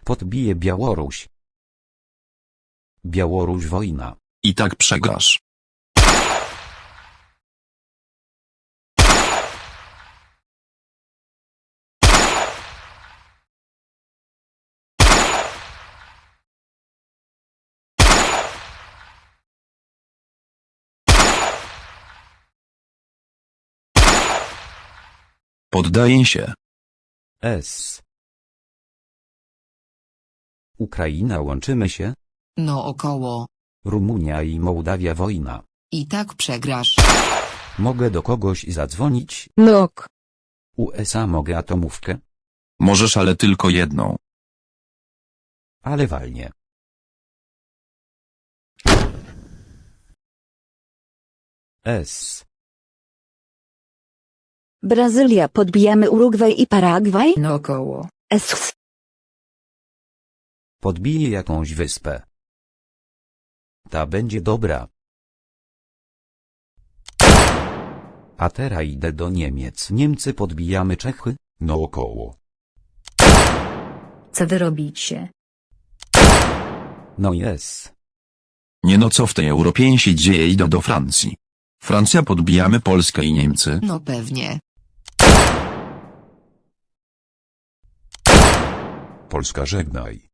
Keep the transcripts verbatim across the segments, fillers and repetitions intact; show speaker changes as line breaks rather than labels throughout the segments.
Podbije Białoruś. Białoruś wojna.
I tak przegrasz. Poddaję się.
S. Ukraina łączymy się?
No około.
Rumunia i Mołdawia wojna.
I tak przegrasz.
Mogę do kogoś zadzwonić?
Nok.
U S A mogę atomówkę?
Możesz, ale tylko jedną.
Ale walnie. S.
Brazylia podbijamy Urugwaj i Paragwaj?
No około.
S.
Podbije jakąś wyspę. Ta będzie dobra. A teraz idę do Niemiec. Niemcy podbijamy Czechy? No około.
Co wy robicie?
No jest.
Nie no, co w tej Europie się dzieje? Idę do Francji. Francja, podbijamy Polskę i Niemcy.
No pewnie.
Polska żegnaj.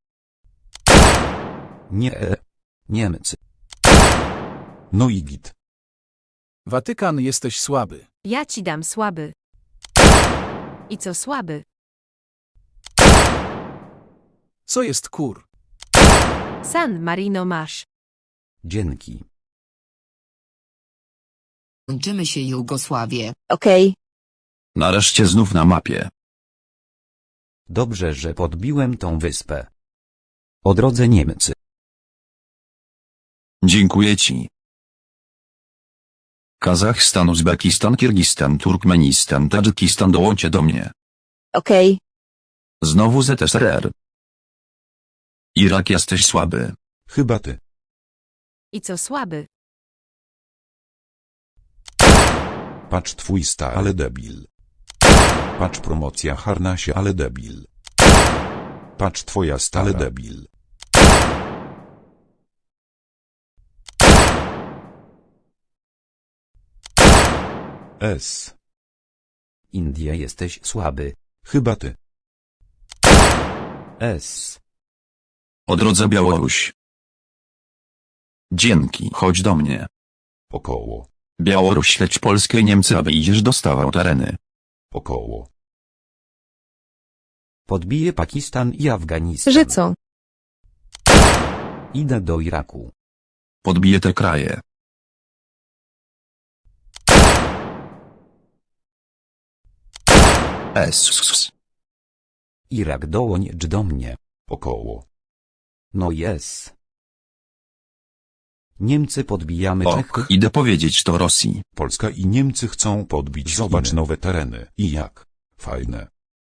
Nie. Niemcy.
No i git.
Watykan, jesteś słaby.
Ja ci dam słaby. I co słaby?
Co jest kur?
San Marino masz.
Dzięki.
Łączymy się Jugosławie.
Okej.
Nareszcie znów na mapie.
Dobrze, że podbiłem tą wyspę. O drodze Niemcy.
Dziękuję ci. Kazachstan, Uzbekistan, Kirgistan, Turkmenistan, Tadżykistan, dołączcie do mnie.
Okej.
Znowu Z S R R. Irak, jesteś słaby.
Chyba ty.
I co słaby?
Patrz twój sta, ale debil. Patrz promocja harnasie, ale debil. Patrz twoja stale debil. S.
India jesteś słaby.
Chyba ty.
S.
O drodze Białoruś. Dzięki, chodź do mnie.
Około.
Białoruś, śledź Polskę i Niemcy, a wyjdziesz dostawał tereny.
Około.
Podbije Pakistan i Afganistan.
Że co?
Idę do Iraku.
Podbije te kraje. S.
Irak dołącz do mnie.
Około.
No jest. Niemcy podbijamy Czechy.
Ok, idę powiedzieć to Rosji.
Polska i Niemcy chcą podbić. Zobacz
Chiny.
nowe tereny. I jak? Fajne.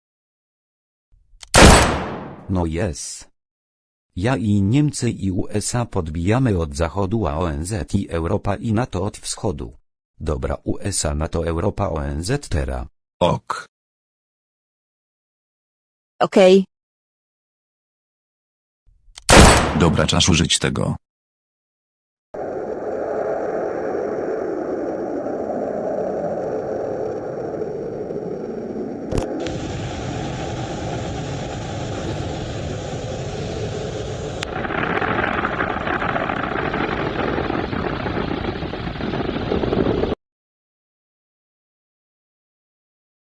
No jest. Ja i Niemcy i U S A podbijamy od zachodu, a O N Z i Europa i NATO od wschodu. Dobra, U S A, NATO, Europa, O N Z teraz.
Ok.
Okej.
Dobra, czas użyć tego.